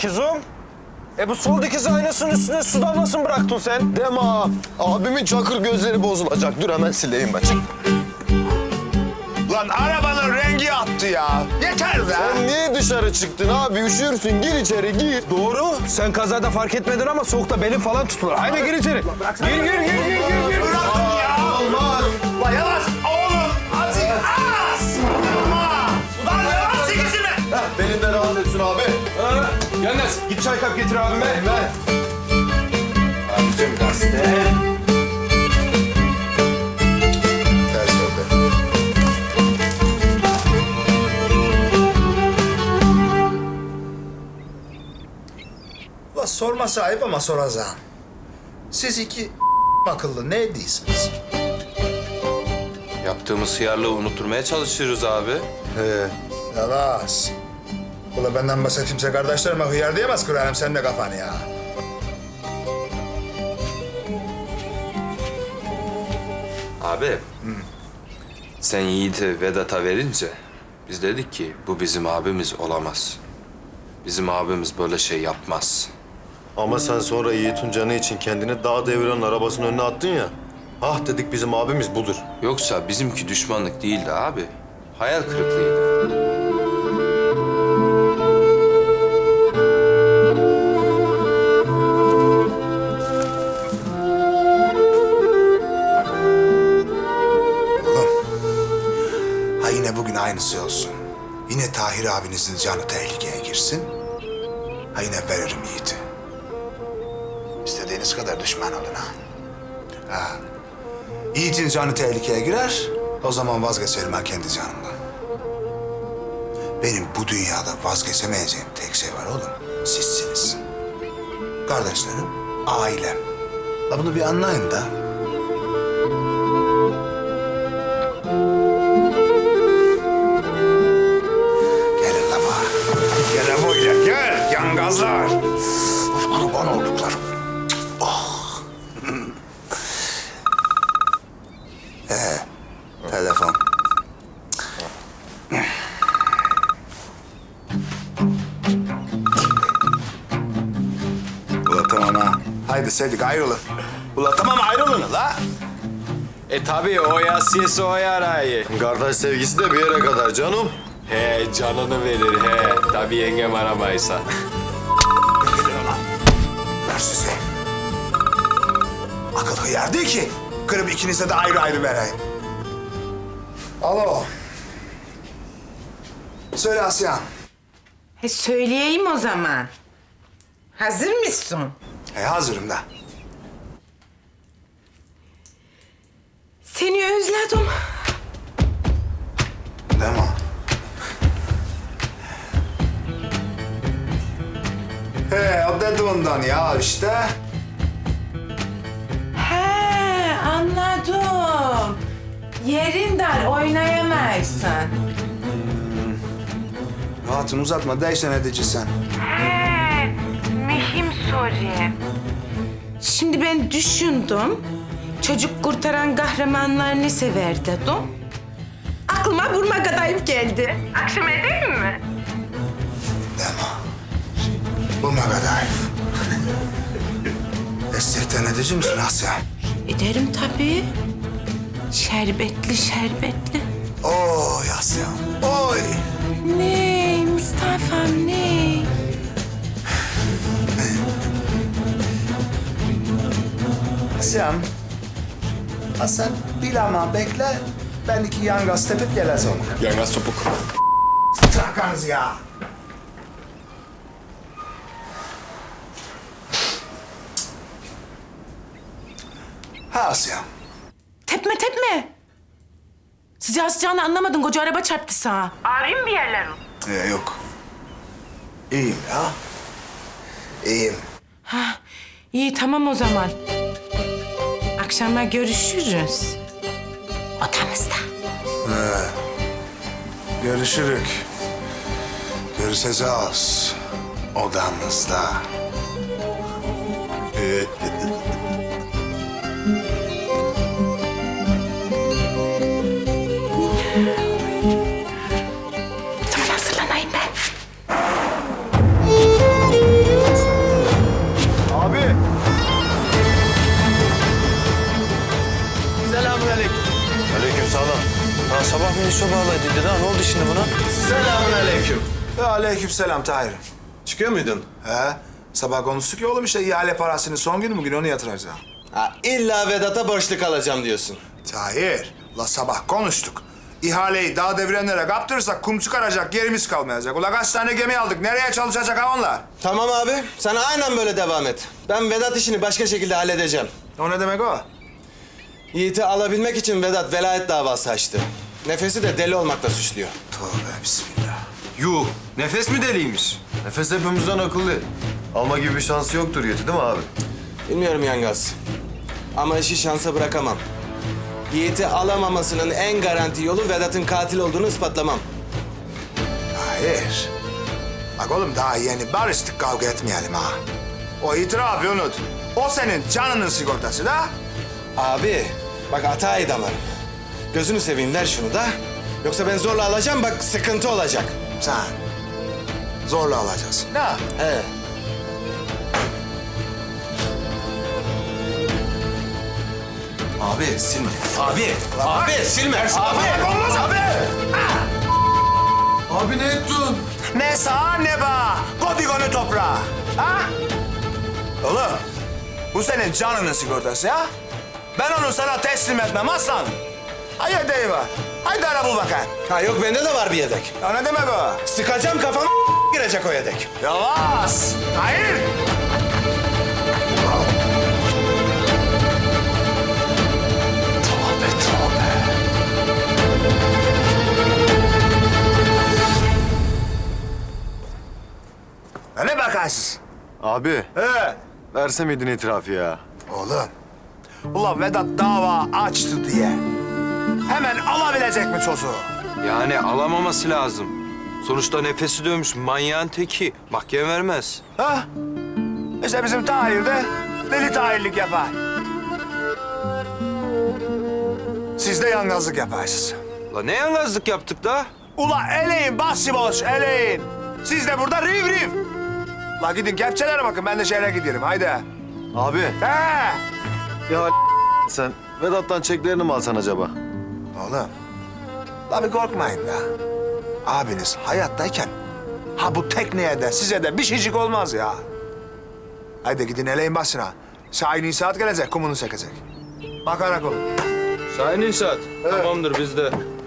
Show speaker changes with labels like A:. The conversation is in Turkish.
A: Dikizum. Bu sol dikiz aynasının üstüne su damlasını bıraktın sen.
B: Deme ha. Abimin çakır gözleri bozulacak. Dur hemen sileyim ben. Çık.
C: Lan arabanın rengi attı ya. Yeter be.
B: Sen niye dışarı çıktın abi? Üşürsün. Gir içeri gir.
A: Doğru. Sen kazada fark etmedin ama soğukta belin falan tutulur. Haydi gir içeri. Gir.
C: Bırakın ya.
B: Olmaz.
C: Ulan yavaş oğlum. Azıcık az. Ulan yavaş çekilsene.
B: Belinden rahat etsin abi.
A: Yalnız git çay kap getir abime. Ver.
C: Abicim gazete. Ters oldu.
D: Ulan sorması ayıp ama soracağım. Siz iki akıllı ne değilsiniz?
E: Yaptığımız hıyarlığı unutturmaya çalışıyoruz abi.
D: Yavaş. Ulan benden başka kimse kardeşlerime hıyar diyemez, kırarım senin de kafanı ya.
E: Abi. Sen Yiğit'i Vedat'a verince biz dedik ki bu bizim abimiz olamaz. Bizim abimiz böyle şey yapmaz.
B: Ama sen sonra Yiğit'in canı için kendini dağ deviren arabasının önüne attın ya. Ah dedik bizim abimiz budur.
E: Yoksa bizimki düşmanlık değildi abi. Hayal kırıklığıydı.
D: Ha yine bugün aynısı olsun. Yine Tahir abinizin canı tehlikeye girsin. Ha yine veririm Yiğit'i. İstediğiniz kadar düşman olun ha. Ha. Yiğit'in canı tehlikeye girer, o zaman vazgeçerim ha kendi canımdan. Benim bu dünyada vazgeçemeyeceğim tek şey var oğlum, sizsiniz. Kardeşlerim, ailem. La bunu bir anlayın da. Gelin la bana.
C: Gel buraya gel yangazlar.
D: Of, kurban olduklarım. Telefon. Ula tamam ha. Haydi Sedik ayrılın. Ula tamam ayrılın la.
F: Tabii o yasiyesi o yarayı.
B: Kardeş sevgisi de bir yere kadar canım.
F: He canını verir he. Tabii yengem aramaysa.
D: Ver sizi. Akıl hıyar değil ki. Kırıp ikinize de ayrı ayrı vereyim. Alo. Söyle Asya.
G: Söyleyeyim o zaman. Hazır mısın?
D: Hazırım da.
G: Seni özledim.
D: Değil mi? O dediğinden ya işte.
G: He, anladım. Yerin dar, oynayamazsın.
D: Hatun uzatma, değişen edici sen.
G: He, mühim soru. Şimdi ben düşündüm. Çocuk kurtaran kahramanlar ne sever dedim. Aklıma vurma kadayıf geldi. Akşam edeyim mi?
D: Deme. Bu ne kadar? Esirten edici misin Asya?
G: Ederim tabii. Şerbetli şerbetli.
D: Oy Asya, oy.
G: Ne Mustafa'm ne?
D: Asya'm. Ha sen bilama bekle. Ben iki yangaz tepip geleceğim.
F: Yangaz topuk.
D: Trakanız ya. Ha Asya.
G: Tepme tepme. Sıcağı sıcağını anlamadın. Koca araba çarptı sağa. Ağrıyım bir yerlerim.
D: Yok. İyiyim ya. İyiyim.
G: İyi tamam o zaman. Akşama görüşürüz. Odamızda.
D: Görüşürük. Görüşeceğiz. Odamızda.
G: Tamam hazırlanayım ben.
C: Selamünaleyküm.
B: Aleykümselam.
A: Ha, sabah minisyo bağlaydıydı ha. Ne oldu şimdi buna?
C: Selamünaleyküm.
D: Aleykümselam Tahir'im.
C: Çıkıyor muydun?
D: He? Sabah konuştuk ya oğlum işte ihale parasının son günü bugün onu yatıracağım.
C: Ha, illa Vedat'a borçlu kalacağım diyorsun.
D: Tahir, la sabah konuştuk. İhaleyi dağ devrenlere kaptırırsak kum çıkaracak yerimiz kalmayacak. Ula kaç tane gemi aldık, nereye çalışacak ha onlar?
C: Tamam abi, sen aynen böyle devam et. Ben Vedat işini başka şekilde halledeceğim.
D: O ne demek o?
C: Yiğit'i alabilmek için Vedat velayet davası açtı. Nefesi de deli olmakla suçluyor.
D: Tövbe bismillah.
E: Yuh, nefes mi deliymiş?
B: Nefes hepimizden akıllı. Alma gibi bir şansı yoktur Yiğit'i değil mi abi?
C: Bilmiyorum Yangaz. Ama işi şansa bırakamam. Yiğit'i alamamasının en garanti yolu Vedat'ın katil olduğunu ispatlamam.
D: Tahir. Bak oğlum daha yeni barıştık, kavga etmeyelim ha. O itirafı unut. O senin canının sigortası da.
C: Abi, bak hatayı damarım. Gözünü seveyim der şunu da. Yoksa ben zorla alacağım, bak sıkıntı olacak.
D: Sen zorla alacaksın. Ne?
C: He. Abi silme. Abi silme.
D: Olmaz abi.
B: Abi ne ettin?
D: Ne sağ ne bağ. Kodigonu toprağa. Ha? Oğlum, bu senin canının sigortası ya. Ben onu sana teslim etmem aslan. Hayır deyva. Haydi ara bul bakayım.
C: Ha yok bende de var bir yedek.
D: Ya ne demek o?
C: Sıkacağım kafama girecek o yedek.
D: Yavaş. Hayır. Ne bakarsınız?
B: Abi
D: He.
B: verse miydin itirafı ya?
D: Oğlum, ulan Vedat dava açtı diye hemen alabilecek mi çocuğu?
E: Yani alamaması lazım. Sonuçta nefesi dövmüş manyağın teki. Mahkeme vermez.
D: Ha? İşte bizim Tahir de deli Tahirlik yapar. Siz de yalnızlık yaparsınız.
E: La ne yalnızlık yaptık da?
D: Ula eleyin başıboş eleyin. Siz de burada riv riv. La gidin kepçelere bakın, ben de şehre gidiyorum haydi.
B: Abi
D: He.
B: ya sen Vedat'tan çeklerini mi alsan acaba?
D: Oğlum, la bir korkmayın da. Abiniz hayattayken ha bu tekneye de size de bir şeycik olmaz ya. Haydi gidin eleyin başına. Şahin saat gelecek, kumunu çekecek. Bakarak olun.
E: Şahin İnşaat. Tamamdır bizde.